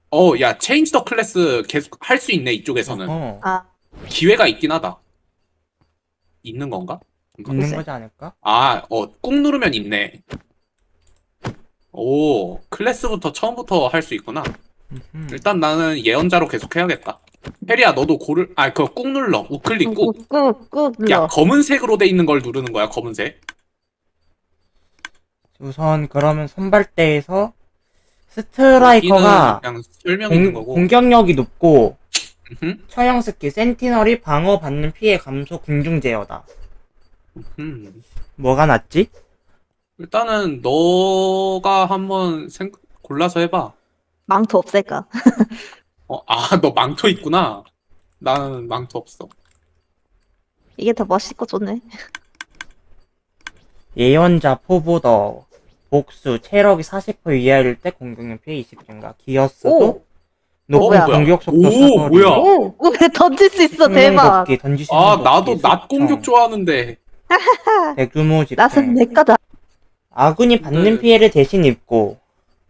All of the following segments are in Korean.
야, 체인지 더 클래스 계속 할 수 있네, 이쪽에서는. 아, 기회가 있긴 하다. 있는 건가? 있는 글쎄. 거지 않을까? 꾹 누르면 있네. 오, 클래스부터 처음부터 할 수 있구나. 일단 나는 예언자로 계속 해야겠다. 페리야, 너도 그거 꾹 눌러. 우클릭 꾹. 꾹꾹 야, 눌러. 검은색으로 돼 있는 걸 누르는 거야, 검은색. 우선 그러면 선발대에서 여기는 스트라이커가 그냥 설명 있는 거고. 공격력이 높고 음흠, 처형 스킬 센티널이 방어받는 피해 감소 궁중 제어다. 음. 뭐가 낫지? 일단은 너가 한번 골라서 해봐. 망토 없앨까? 너 망토 있구나. 나는 망토 없어. 이게 더 멋있고 좋네. 예언자 포보더 복수 체력이 40% 이하일 때 공격력 피해 20 증가. 기어스도 오! 높은 뭐야? 공격 속도 오, 사거리. 뭐야? 오! 왜 던질 수 있어, 대박! 걷기, 던질 수 있는 나도 걷기, 낮 숙청, 공격 좋아하는데. 대규모 낫은 집행. 내 거다. 아군이 받는 근데- 피해를 대신 입고.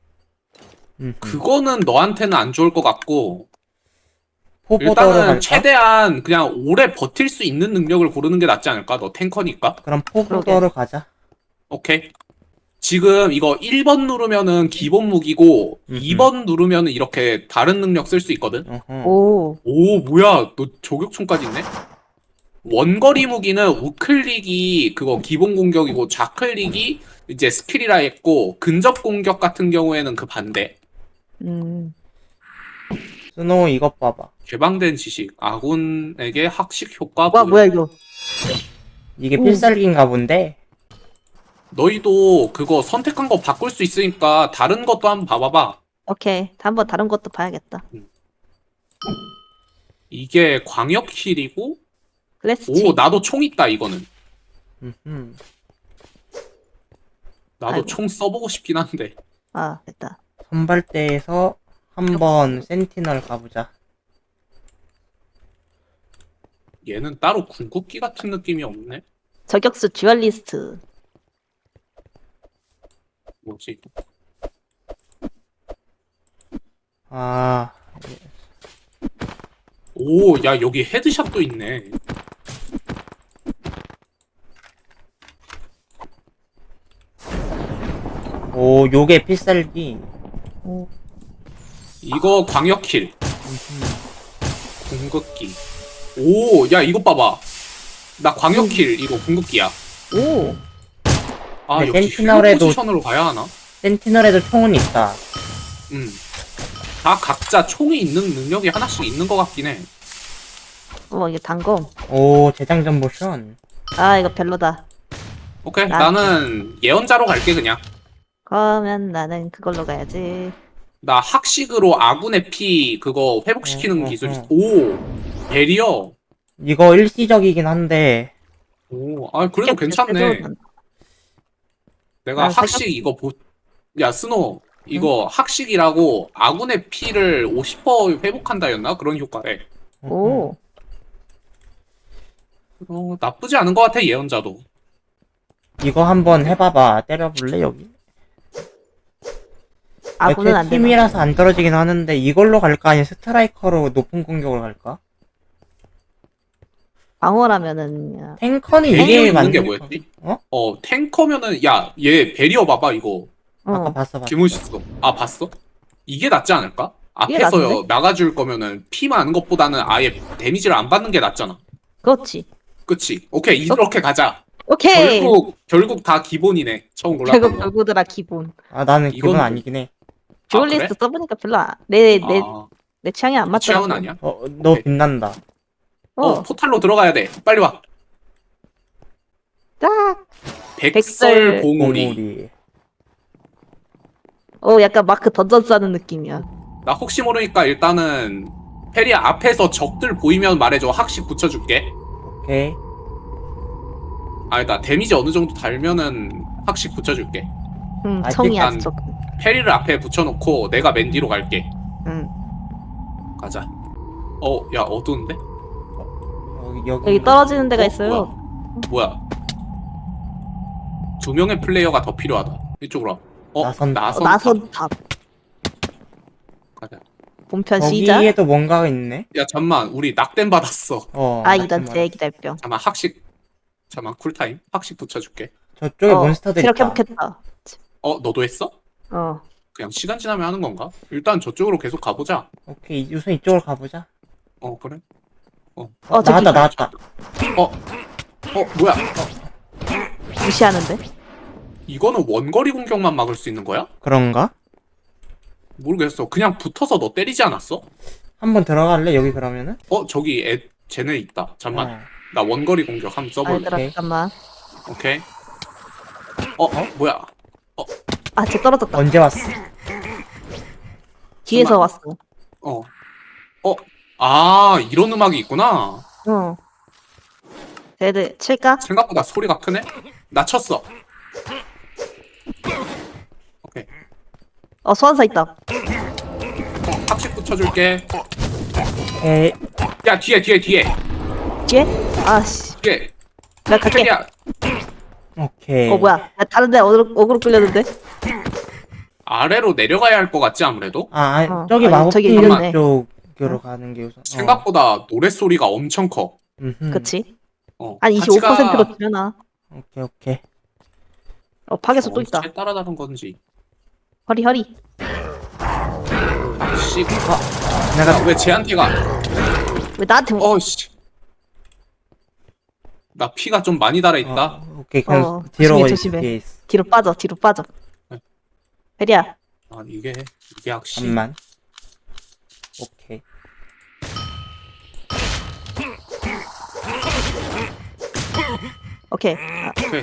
그거는 너한테는 안 좋을 것 같고. 포보더를 일단은 갈까? 최대한 그냥 오래 버틸 수 있는 능력을 고르는 게 낫지 않을까? 너 탱커니까? 그럼 포보더를 가자. 오케이. 지금 이거 1번 누르면은 기본 무기고 2번 누르면은 이렇게 다른 능력 쓸 수 있거든? 어허. 오. 오, 뭐야. 너 저격총까지 있네? 원거리 무기는 우클릭이 그거 기본 공격이고 좌클릭이 이제 스킬이라 했고 근접 공격 같은 경우에는 그 반대. 스노우 이것 봐봐. 개방된 지식. 아군에게 학식 효과 와, 부여. 뭐야, 이거. 이게 오. 필살기인가 본데. 너희도 그거 선택한 거 바꿀 수 있으니까 다른 것도 한번 봐봐봐. 오케이. 한번 다른 것도 봐야겠다. 이게 광역 힐이고 클래스 오, 치. 나도 총 있다 이거는. 음흠. 나도 아이고. 총 써보고 싶긴 한데. 아, 됐다. 선발대에서 한번 센티널 가보자. 얘는 따로 궁극기 같은 느낌이 없네. 저격수 듀얼리스트. 뭐지? 아, 오, 야, 여기 헤드샷도 있네. 오, 요게 필살기. 오. 이거 광역 킬. 궁극기. 오, 야, 이거 봐봐. 나 광역 킬, 이거 궁극기야. 오. 네, 역시 센티널에도- 힐 포지션으로 가야 하나? 센티널에도 총은 있다. 다 각자 총이 있는 능력이 하나씩 있는 것 같긴 해. 이게 단검. 오, 재장전 모션. 아, 이거 별로다. 오케이, 나- 나는 예언자로 갈게, 그냥. 그러면 나는 그걸로 가야지. 나 학식으로 아군의 피 그거 회복시키는 기술 있어. 어. 오, 베리어. 이거 일시적이긴 한데, 오, 그래도 괜찮네. 내가 아, 학식 이거 야, 스노. 이거 학식이라고 아군의 피를 50% 회복한다였나? 그런 효과래. 오. 나쁘지 않은 것 같아, 예언자도. 이거 한번 해봐봐. 때려볼래, 여기? 아군은 안 되나? 팀이라서 안 떨어지긴 하는데, 이걸로 갈까? 아니면 스트라이커로 높은 공격을 갈까? 방어라면은 탱커는 베리어 이게 있는 게 맞는 뭐였지? 어? 탱커면은, 야, 얘 베리어 봐봐, 이거. 아까 어. 봤어. 개멋있어. 봤어? 이게 낫지 않을까? 이게 앞에서 낫는데? 나가줄 거면은 피 많은 것보다는 아예 데미지를 안 받는 게 낫잖아. 그렇지. 그치? 오케이, 이렇게 가자. 오케이. 결국 다 기본이네. 처음 골랐던 결국 거. 별구들아 기본. 아, 나는 기분 이건- 아니긴 해. 듀얼리스트 그래? 써보니까 별로 내 아, 취향이 안 그 맞더라고. 취향은 아니야? 너 오케이. 빛난다. 포탈로 들어가야 돼. 빨리 와. 딱. 백설 봉우리. 봉우리. 약간 마크 던전스 하는 느낌이야. 나 혹시 모르니까 일단은 페리야 앞에서 적들 보이면 말해줘. 학식 붙여줄게. 오케이. 나 데미지 어느 정도 달면은 학식 붙여줄게. 청이 일단- 아주 조금. 페리를 앞에 붙여놓고 내가 맨 뒤로 갈게. 응. 가자. 야, 어두운데? 여기 떨어지는 데가 있어요. 뭐야? 두 명의 플레이어가 더 필요하다. 이쪽으로 와. 나선탑. 나선탑. 나선탑. 가자. 본편 시작. 거기에도 뭔가가 있네. 야 잠만 우리 낙댐 받았어. 이런 대기달병. 잠만 학식. 잠만 쿨타임. 학식 붙여줄게. 저쪽에 몬스터들 체력 있다. 회복했다. 너도 했어? 어. 그냥 시간 지나면 하는 건가? 일단 저쪽으로 계속 가보자. 오케이, 우선 이쪽으로 가보자. 그래. 저기. 나왔다. 뭐야? 무시하는데? 이거는 원거리 공격만 막을 수 있는 거야? 그런가? 모르겠어. 그냥 붙어서 너 때리지 않았어? 한번 들어갈래? 여기 그러면은? 저기 쟤네 있다. 잠만. 어. 나 원거리 공격 한번 써볼래. 얘들아, 오케이. 잠깐만. 오케이. 뭐야? 쟤 떨어졌다. 언제 왔어? 뒤에서 잠깐만. 왔어. 이런 음악이 있구나. 쟤들 칠까? 생각보다 소리가 크네? 나 쳤어. 오케이. 소환사 있다. 학식 붙여줄게. 에이, 야, 뒤에. 뒤에? 아씨. 뒤에. 내가 갈게. 저기야. 오케이. 뭐야. 나 다른데 어그로 끌렸는데? 아래로 내려가야 할 것 같지, 아무래도? 저기 아니, 마법 저기 비밀 있네. 쪽으로 가는 게 우선. 생각보다 노랫소리가 엄청 커. 그치? 어. 한 같이 가. 25%로 줄여놔. 오케이. 파괴수 또 있다. 어떻게 따라다는 건지. 허리. 씨. 내가 왜 쟤한테 가? 왜 나한테 씨. 나 피가 좀 많이 달아있다. 오케이, 그냥 어, 뒤로 조심해. 뒤에 있어. 뒤로 빠져. 네. 베리야. 이게 역시. 잠만. 오케이. 오케이. 오케이.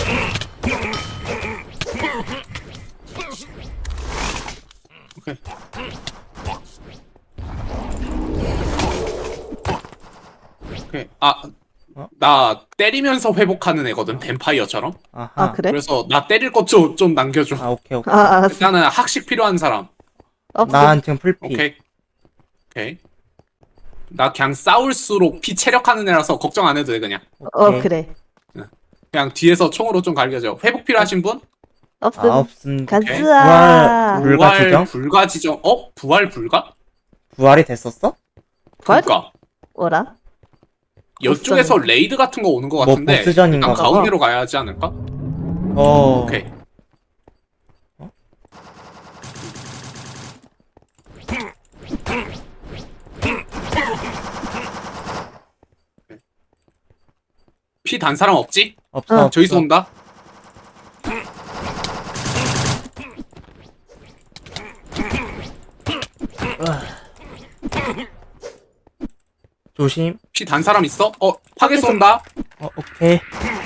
오케이. 오케이. 나 때리면서 회복하는 애거든, 뱀파이어처럼. 아하. 그래? 그래서 나 때릴 것 좀 남겨줘. 오케이. 알았어. 일단은 학식 필요한 사람. 없어. 난 지금 풀피. 오케이. 나 그냥 싸울수록 피 체력하는 애라서 걱정 안 해도 돼, 그냥. 오케이. 그래. 그냥 뒤에서 총으로 좀 갈겨줘. 회복 필요하신 분? 없음. 없습니다. 가즈아. 불가 지정? 불가 지정. 부활 불가? 부활이 됐었어? 부활? 그니까. 뭐라? 이쪽에서 레이드 같은 거 오는 거 뭐 같은데. 보스전인가 일단 봐. 가운데로 가야 하지 않을까? 오케이. 피 단 사람 없지? 없어. 저기서 온다. 조심. 피 단 사람 있어? 파괴수 온다. 오케이.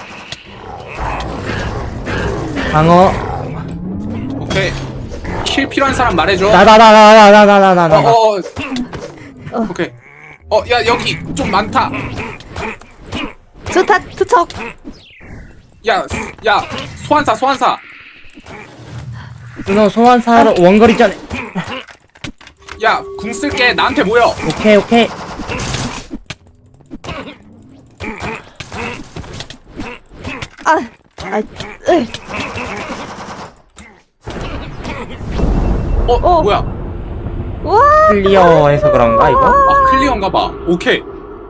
방어. 오케이. 힐 필요한 사람 말해줘. 나. 오케이. 야, 여기 좀 많다. 투척. 야, 소환사. 너 소환사로 원거리 전에. 야, 궁 쓸게. 나한테 모여. 오케이. 뭐야? 와. 클리어해서 그런가 이거? 클리어인가 봐. 오케이.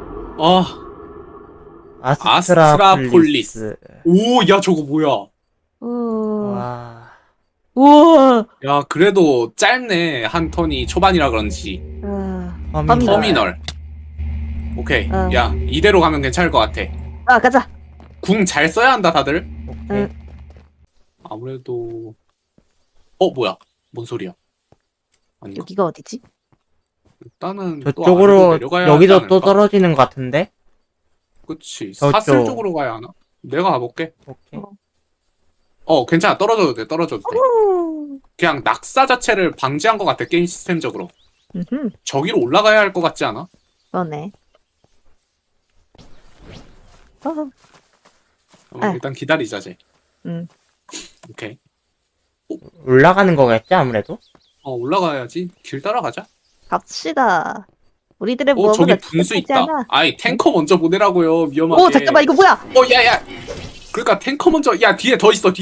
아스트라폴리스. 오, 야, 저거 뭐야? 와. 우와. 야, 그래도 짧네. 한 턴이 초반이라 그런지. 터미널. 오케이. 야, 이대로 가면 괜찮을 것 같아. 가자. 궁 잘 써야 한다, 다들. 오케이. 아무래도 뭐야? 뭔 소리야? 아닌가? 여기가 어디지? 일단은 또 아래로 저쪽으로 내려가야 하지 여기도 않을까? 또 떨어지는 것 같은데? 그치. 저쪽. 사슬 쪽으로 가야 하나? 내가 가볼게. 오케이. 괜찮아. 떨어져도 돼. 그냥 낙사 자체를 방지한 것 같아, 게임 시스템적으로. 저기로 올라가야 할 것 같지 않아? 그러네. 일단 기다리자, 쟤. 응. 오케이. 올라가는 거겠지 아무래도? 올라가야지. 길 따라가자. 갑시다. 우리들의 저기 무언가 분수 있다. 탱커 먼저 보내라고요. 위험하게. 오, 잠깐만, 이거 뭐야? 야. 그러니까 탱커 먼저. 야, 뒤에 더 있어.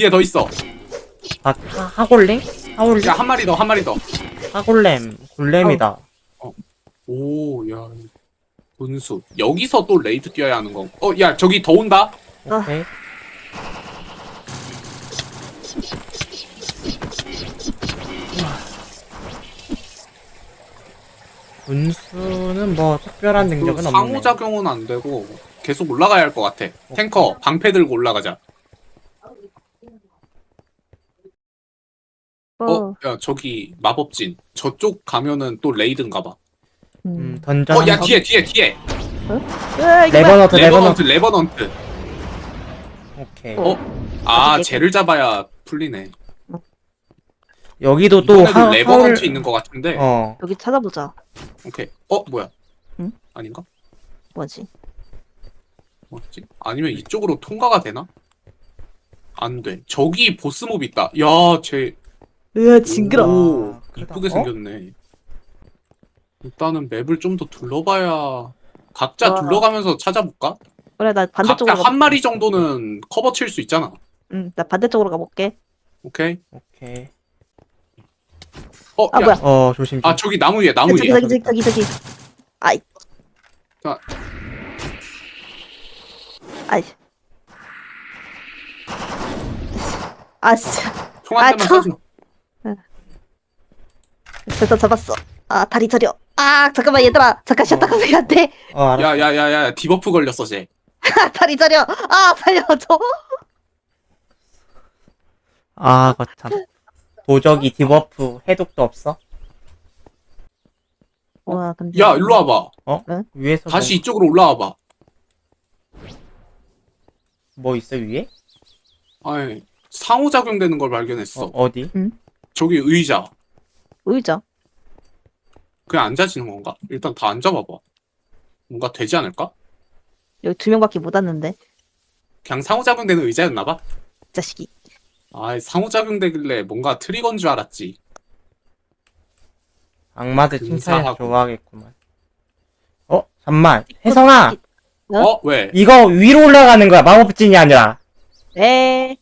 하골렘? 야, 한 마리 더. 하골렘. 골렘이다. 오, 야. 분수. 여기서 또 레이드 뛰어야 하는 거. 야, 저기 더 온다? 오케이. 분수는 뭐 특별한 능력은 없네. 상호작용은 안 되고 계속 올라가야 할 것 같아. 탱커 방패 들고 올라가자. 야 저기 마법진. 저쪽 가면은 또 레이드인가 봐. 던전. 야 뒤에. 으아, 이거 뭐야? 레버넌트. 레버넌트. 오케이. 아 쟤를 잡아야 풀리네. 여기도 또 이번에도 레버넌트 있는 것 같은데. 여기 찾아보자. 오케이. 뭐야? 응? 아닌가? 뭐지? 뭐지? 아니면 이쪽으로 통과가 되나? 안 돼. 저기 보스몹 있다. 야, 쟤. 으아, 징그러. 오, 아, 크다. 이쁘게 생겼네. 일단은 맵을 좀 더 둘러봐야. 각자 와. 둘러가면서 찾아볼까? 그래, 나 각자 반대쪽으로 가. 한 마리 정도는 커버 칠 수 있잖아. 응, 나 반대쪽으로 가볼게. 오케이. 오케이. 아, 야. 뭐야? 조심. 아, 저기 나무 위에, 나무 저기, 위에. 저기. 아이. 자. 아이. 아, 진짜. 총 한 대만 저- 쏴줘. 됐어, 잡았어. 아, 다리 저려. 아, 잠깐만, 얘들아. 잠깐 쉬었다가 왜안 돼? 알았어. 야, 디버프 걸렸어, 쟤. 아, 다리 저려. 아, 살려줘. 아, 거참. 도적이 디버프 해독도 없어? 와, 근데. 야, 일로 와봐. 위에서 다시 이쪽으로 올라와봐. 뭐 있어 위에? 아이, 상호작용 되는 걸 발견했어. 어디? 저기 의자. 의자. 그냥 앉아지는 건가? 일단 다 앉아봐봐. 뭔가 되지 않을까? 여기 2명밖에 못 왔는데. 그냥 상호작용 되는 의자였나봐? 이 자식이. 아, 상호작용 되길래 뭔가 트리거인 줄 알았지. 악마들 칭찬해서 근사하고. 좋아하겠구만. 잠만. 혜성아! 어? 왜? 이거 위로 올라가는 거야. 마법진이 아니라. 에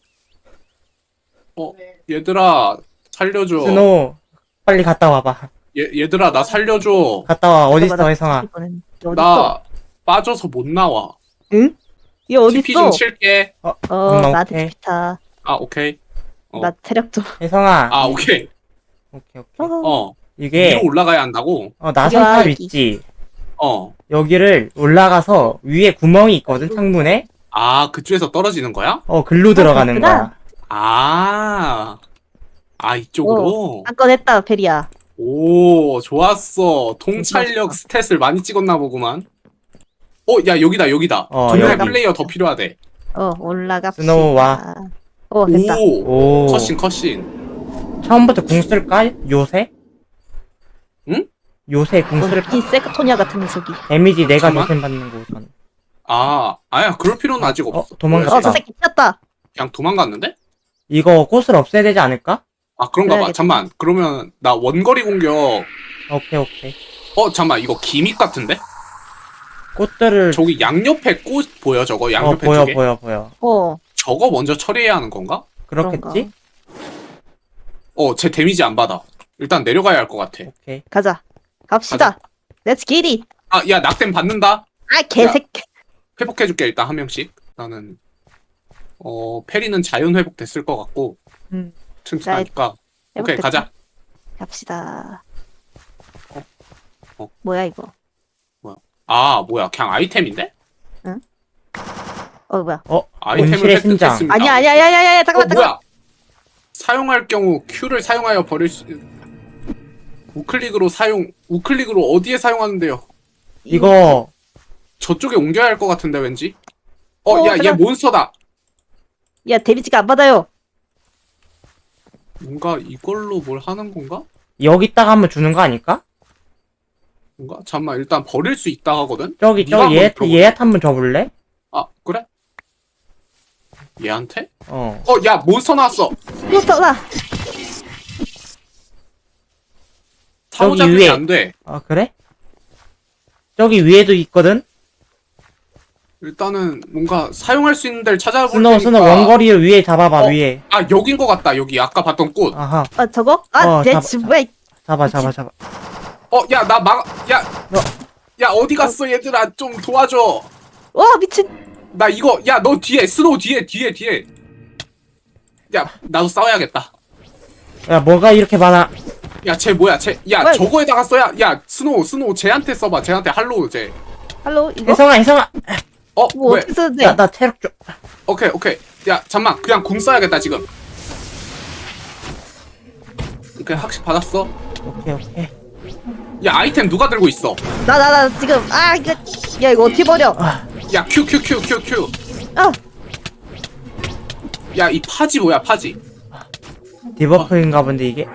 얘들아, 살려줘. 스노우, 빨리 갔다 와봐. 얘들아, 나 살려줘. 갔다 와. 어딨어, 혜성아? 어딨어? 나 빠져서 못 나와. 응? 얘 TP 좀 어딨어? 칠게. 나한테 오케이. TP타. 아, 오케이. 나 체력 좀. 혜성아. 아, 오케이. 오케이. 위로 이게, 올라가야 한다고? 나선탑 여기. 있지? 어. 여기를 올라가서 위에 구멍이 있거든, 창문에? 아, 그쪽에서 떨어지는 거야? 글로 들어가는 그렇구나. 거야. 이쪽으로? 한 건 했다, 페리야. 오, 좋았어. 통찰력 스탯을 많이 찍었나 보구만. 야, 여기다. 두 명의 여기. 플레이어 더 필요하대. 올라갑시다. 스노우 와. 됐다. 오, 오. 컷신. 처음부터 궁 쓸까? 요새? 응? 요새 궁 쓸까? 이 세크토니아 같은 녀석이. 데미지 내가 잠깐만. 대신 받는 거 우선. 아니야, 그럴 필요는 아직 없어. 도망갔다. 저 새끼 튀었다. 그냥 도망갔는데? 이거 꽃을 없애야 되지 않을까? 그런가 봐. 그래야겠다. 잠만. 그러면 나 원거리 공격. 오케이. 잠만. 이거 기믹 같은데? 꽃들을 저기 양옆에 꽃 보여, 저거? 양옆에 보여 쪽에? 보여. 저거 먼저 처리해야 하는 건가? 그렇겠지? 쟤 데미지 안 받아. 일단 내려가야 할 것 같아. 오케이. 가자. 갑시다. Let's get it. 야, 낙댐 받는다? 아, 개새끼. 회복해줄게, 일단 한 명씩. 나는, 페리는 자연 회복 됐을 것 같고, 튼튼하니까. 오케이, 회복됐다. 가자. 갑시다. 어. 뭐야, 이거? 뭐야, 그냥 아이템인데? 뭐야? 아이템을 온실의 심장. 획득했습니다. 아니야. 잠깐만. 뭐야? 사용할 경우 Q를 사용하여 버릴 수, 우클릭으로 어디에 사용하는데요? 이거 저쪽에 옮겨야 할 것 같은데, 왠지? 야, 얘 잠깐. 몬스터다! 야, 데미지가 안 받아요. 뭔가 이걸로 뭘 하는 건가? 여기다가 한번 주는 거 아닐까? 뭔가? 잠깐만, 일단 버릴 수 있다 하거든? 저기 네가 한번 들어봐. 얘한테 한번 줘볼래? 그래? 얘한테? 어. 야, 몬스터 나왔어! 몬스터다. 상호작용이 위에. 안 돼. 그래? 저기 위에도 있거든? 일단은 뭔가 사용할 수 있는 데를 찾아볼 테니까. 스노우 원거리를 위에 잡아봐. 위에. 여긴 것 같다. 여기 아까 봤던 꽃. 아하. 저거? 잡아. 내 집, 왜? 잡아. 야, 나 야, 야 어디 갔어 얘들아 좀 도와줘. 와 미친. 나 이거 야 너 뒤에 스노우 뒤에. 야 나도 싸워야겠다. 야, 뭐가 이렇게 많아? 야 쟤 뭐야 야 왜? 저거에다가 써야 야 스노우 쟤한테 써봐 쟤한테 할로우 쟤. 할로 이거 혜성아. 뭐 왜? 어떻게 쓰는데? 나 체력 좀. 오케이. 야 잠만 그냥 궁 써야겠다 지금. 오케이 학식 받았어. 오케이. 야 아이템 누가 들고 있어? 나 지금 이거 야 이거 어떻게 버려? 야 큐. 아 야 이 파지 뭐야 파지? 디버프인가 본데, 이게?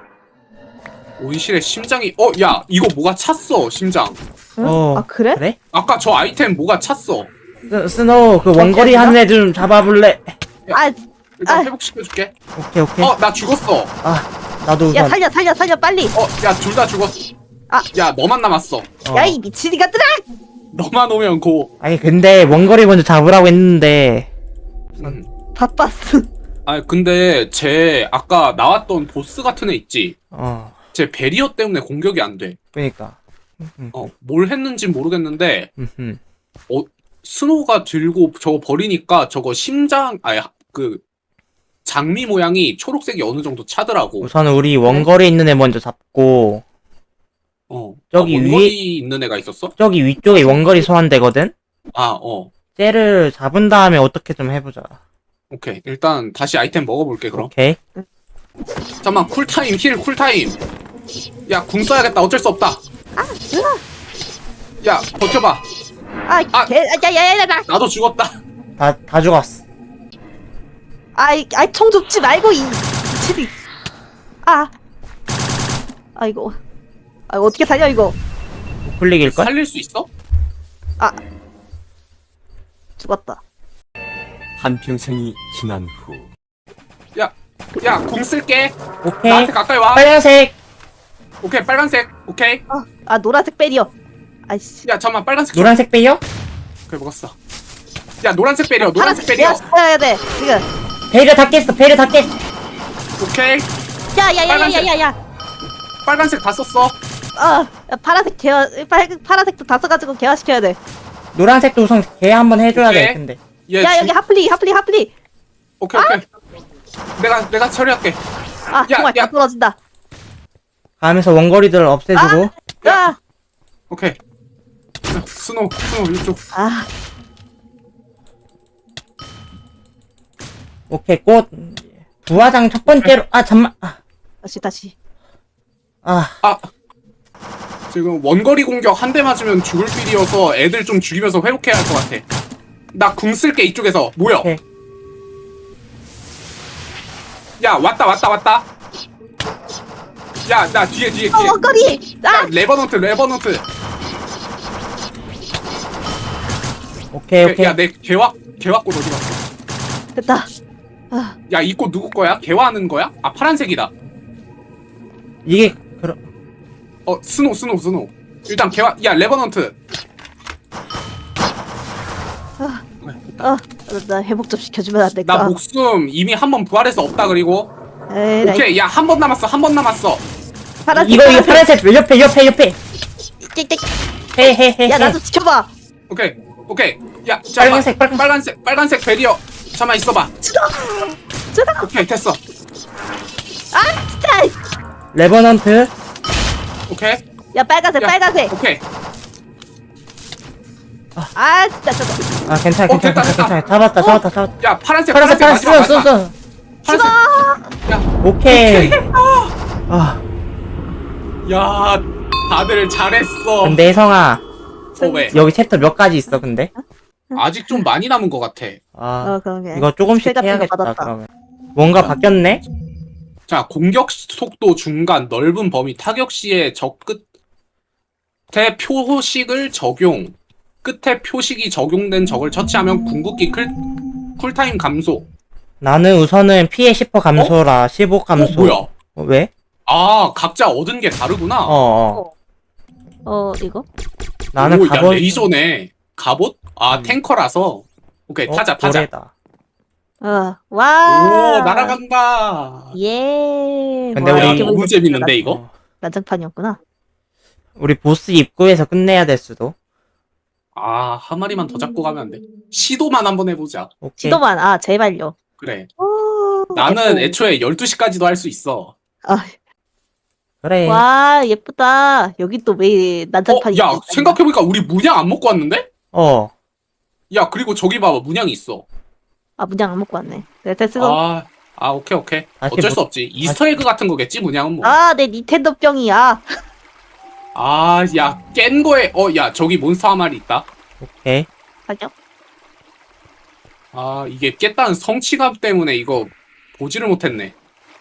온실의 심장이 야 이거 뭐가 찼어 심장. 응? 아 그래? 그래? 아까 저 아이템 뭐가 찼어. 스노우, 그 원거리 됐나? 하는 애 좀 잡아볼래? 아 일단 아. 회복시켜줄게. 오케이. 나 죽었어. 나도 야 우선. 살려 빨리. 야 둘 다 죽었어. 아. 야 너만 남았어. 야 이 미친이 같더라. 너만 오면 고. 아니, 근데 원거리 먼저 잡으라고 했는데. 바빴어. 아 근데 쟤 아까 나왔던 보스 같은 애 있지? 쟤 베리어 때문에 공격이 안 돼. 그니까. 뭘 했는지 모르겠는데 음. 스노우가 들고 저거 버리니까 저거 심장 그 장미 모양이 초록색이 어느 정도 차더라고. 우선 우리 원거리 있는 애 먼저 잡고, 저기 원거리 있는 애가 있었어? 저기 위쪽에 원거리 소환되거든? 쟤를 잡은 다음에 어떻게 좀 해보자. 오케이. 일단 다시 아이템 먹어볼게 그럼. 오케이. 잠깐만 쿨타임 힐 쿨타임. 야 궁 써야겠다 어쩔 수 없다. 야 버텨봐. 야야야야 나. 나도 죽었다. 다 죽었어. 총 줍지 말고 이 미친이. 이거 어떻게 살려 이거? 클릭일걸? 살릴 수 있어? 죽었다. 한평생이 지난 후 야 궁 쓸게. 오케이. 나한테 가까이 와. 빨간색! 오케이 빨간색. 오케이. 노란색 베리어. 아이씨. 야 잠만 빨간색. 노란색 빼요? 그래 먹었어. 야 노란색 베리어 노란색 베리어. 해야 돼 지금. 베일을 다 깼어. 오케이. 야야야야야야. 빨간색 다 썼어. 파란색 파란색도 다 써가지고 개화시켜야 돼. 노란색도 우선 개 한번 해줘야 오케이. 돼, 근데. 얘 야 여기 하플리. 오케이. 내가 처리할게. 정말 야. 다 떨어진다. 가면서 원거리들 없애주고. 오케이. 자, 스노우 이쪽. 오케이, 꽃. 부화장 첫 번째로. 잠만. 다시. 지금 원거리 공격 한 대 맞으면 죽을 필이어서 애들 좀 죽이면서 회복해야 할 것 같아. 나 궁 쓸게 이쪽에서. 모여. 오케이. 야 왔다. 야 나 뒤에. 원거리. 야 레버넌트. 오케이. 야 내 개화꽃 어디 갔어? 됐다. 야 이 꽃 누구 거야? 개화하는 거야? 파란색이다. 이게, 스노우. 일단 개화. 야 레버넌트. 나 회복 좀 시켜주면 안 될까? 나 목숨 이미 한 번 부활해서 없다 그리고. 에이, 나 오케이 야 한 번 남았어. 파란색. 이거 파란색, 옆에. 띡띡. 헤헤헤. 야 나도 지켜봐. 오케이. 야 잠깐만. 빨간색. 빨간색 베리어. 잠만 있어봐. 쩌다. 오케이 됐어. 진짜. 레버넌트. 오케이. 야 빨간색. 오케이. 진짜 저거. 괜찮아. 됐다. 잡았다. 야 파란색 파란색, 마지막. 써. 야 오케이. 야 다들 잘했어. 근데 혜성아, 왜? 여기 챕터 몇 가지 있어, 근데? 아직 좀 많이 남은 것 같아. 그러게. 이거 조금씩 스펠 같은 거 해야겠다, 받았다. 그러면. 뭔가 바뀌었네? 자 공격 속도 중간 넓은 범위 타격 시에 적 끝에 표식을 적용. 끝에 표식이 적용된 적을 처치하면 궁극기 쿨타임 감소. 나는 우선은 피해 10% 감소라, 15 감소. 뭐야? 왜? 각자 얻은 게 다르구나. 이거? 나는 야 갑옷. 레이저네. 갑옷? 탱커라서. 오케이 타자. 고래다. 와. 오 날아간다. 예. 근데 와, 우리 이렇게 너무 보니까 재밌는데 이거? 난장판이었구나. 우리 보스 입구에서 끝내야 될 수도. 아, 한 마리만 더 잡고 가면 안 돼. 시도만 한번 해보자. 오케이. 지도만, 아, 제발요. 그래. 오, 나는 예뻐. 애초에 12시까지도 할 수 있어. 아, 그래. 와, 예쁘다. 여기 또 왜 난장판이 야, 있지? 생각해보니까 우리 문양 안 먹고 왔는데? 어. 야, 그리고 저기 봐봐. 문양이 있어. 아, 문양 안 먹고 왔네. 그래, 됐어. 오케이. 다시 어쩔 못- 수 없지. 이스터에그 같은 거겠지, 문양은 뭐. 아, 내 닌텐도 병이야. 야, 깬 거에, 야, 저기 몬스터 한 마리 있다. 오케이. 가죠. 이게 깼다는 성취감 때문에 이거 보지를 못했네.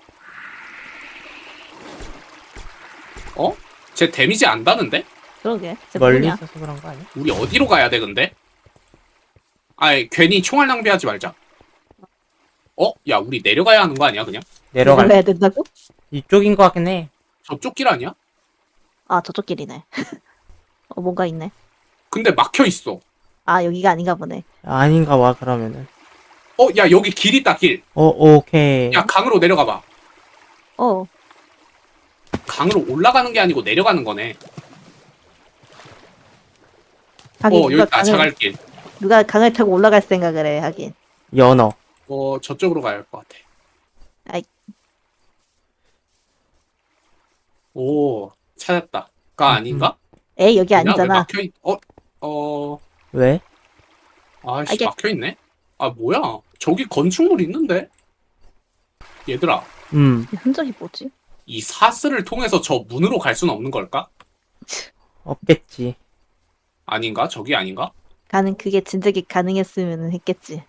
쟤 데미지 안다는데? 그러게. 쟤 멀리 뭐냐? 있어서 그런 거 아니야? 우리 어디로 가야 돼, 근데? 괜히 총알 낭비하지 말자. 야, 우리 내려가야 하는 거 아니야, 그냥? 내려갈. 내려가야 된다고? 이쪽인 것 같긴 해. 저쪽 길 아니야? 아, 저쪽 길이네. 뭔가 있네. 근데 막혀 있어. 아, 여기가 아닌가 보네. 아닌가 봐, 그러면은. 야, 여기 길 있다, 길. 오케이. 야, 강으로 내려가 봐. 어, 강으로 올라가는 게 아니고 내려가는 거네. 하긴 여기 있다, 자갈길. 누가 강을 타고 올라갈 생각을 해, 하긴. 연어. 저쪽으로 가야 할 것 같아. 아이. 오, 찾았다. 가 아닌가? 에이, 여기 아니야? 왜 아니잖아. 막혀있, 왜? 아이씨, 이게- 막혀있네? 뭐야? 저기 건축물 있는데? 얘들아, 흔적이 뭐지? 이 사슬을 통해서 저 문으로 갈 수는 없는 걸까? 없겠지. 아닌가? 저기 아닌가? 그게 진작에 가능했으면 했겠지.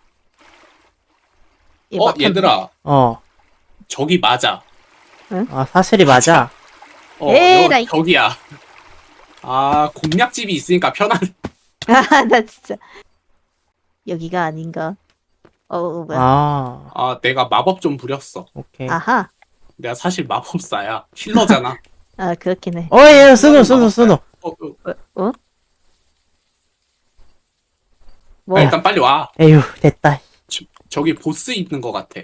얘 막혔네. 얘들아, 저기 맞아. 사슬이 맞아. 에라이. 저기야. 공략집이 있으니까 편하네. 아, 나 진짜. 여기가 아닌가? 뭐야. 내가 마법 좀 부렸어. 오케이. 아하. 내가 사실 마법사야. 힐러잖아. 아, 그렇긴 해. 얘, 스노. 뭐, 일단 빨리 와. 에휴, 됐다. 저기 보스 있는 것 같아.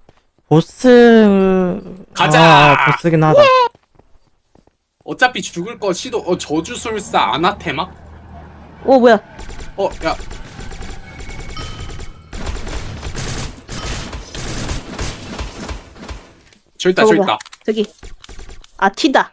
보스. 가자! 보스긴 하다. 어차피 죽을 거 저주술사 아나테마? 뭐야. 야. 저기 있다, 저거 저기 뭐야. 있다. 저기. 튄다.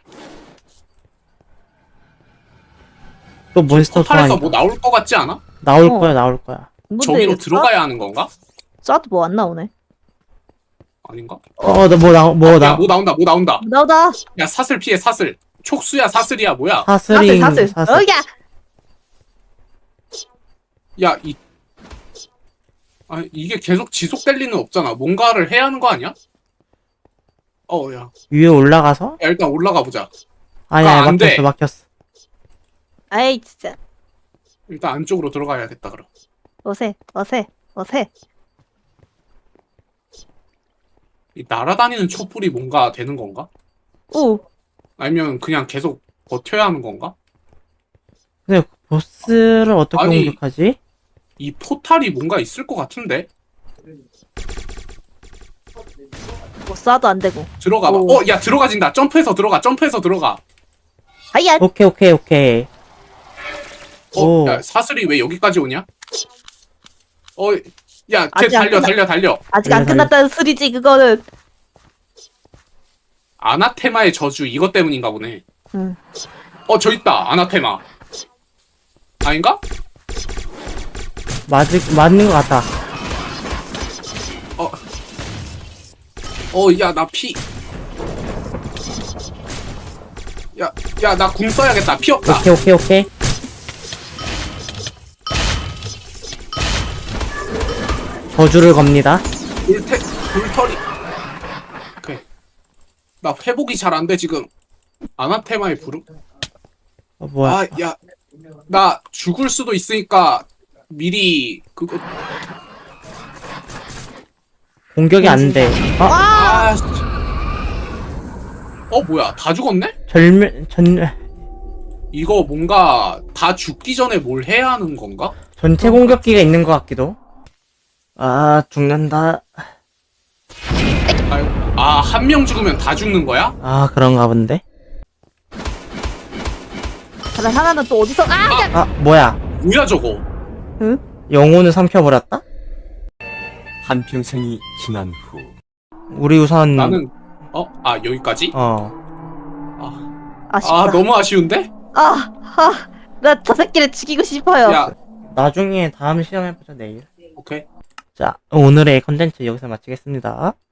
또 몬스터 포탈에서 소환이다. 뭐 나올 것 같지 않아? 나올 어. 거야. 뭔데, 저기로 이거 들어가야 하는 건가? 쏴도 뭐 안 나오네. 아닌가? 나 야, 뭐 나온다. 나오다. 야, 사슬 피해, 사슬. 촉수야, 사슬이야, 뭐야? 사슬. 사슬. 야! 야, 이게 계속 지속될 리는 없잖아. 뭔가를 해야 하는 거 아니야? 야. 위에 올라가서? 야, 일단 올라가 보자. 아니야, 안 돼. 막혔어. 아이, 진짜. 일단 안쪽으로 들어가야겠다, 그럼. 어세. 이 날아다니는 촛불이 뭔가 되는 건가? 오, 아니면 그냥 계속 버텨야 하는 건가? 근데 보스를 어떻게 아니. 공격하지? 이 포탈이 뭔가 있을 것 같은데? 뭐 쏴도 안 되고. 들어가봐. 오. 야, 들어가진다. 점프해서 들어가. 하이야! 오케이. 오. 야, 사슬이 왜 여기까지 오냐? 야, 걔 아직 안 달려. 아직 안 달려. 끝났다는 소리지, 그거는. 아나테마의 저주, 이것 때문인가 보네. 응. 저 있다. 아나테마. 아닌가? 맞는 것 같다. 야, 나 야, 나 궁 써야겠다. 피 없다. 오케이. 저주를 겁니다. 불털이. 오케이. 나 회복이 잘 안 돼, 지금. 아나테마의 부름? 뭐야? 야. 나 죽을 수도 있으니까 미리 그거. 공격이 안 돼. 씨. 뭐야. 다 죽었네? 이거 뭔가 다 죽기 전에 뭘 해야 하는 건가? 전체 공격기가 있는 것 같기도. 죽는다. 한 명 죽으면 다 죽는 거야? 그런가 본데. 그럼 하나는 또 어디서 아, 뭐야. 뭐야 저거? 영혼을 삼켜버렸다? 한평생이 지난 후 우리 우선, 나는 여기까지? 아쉽다. 너무 아쉬운데? 나 저 새끼를 죽이고 싶어요. 야, 나중에 다음 시험해보자, 내일. 오케이. 자, 오늘의 컨텐츠 여기서 마치겠습니다.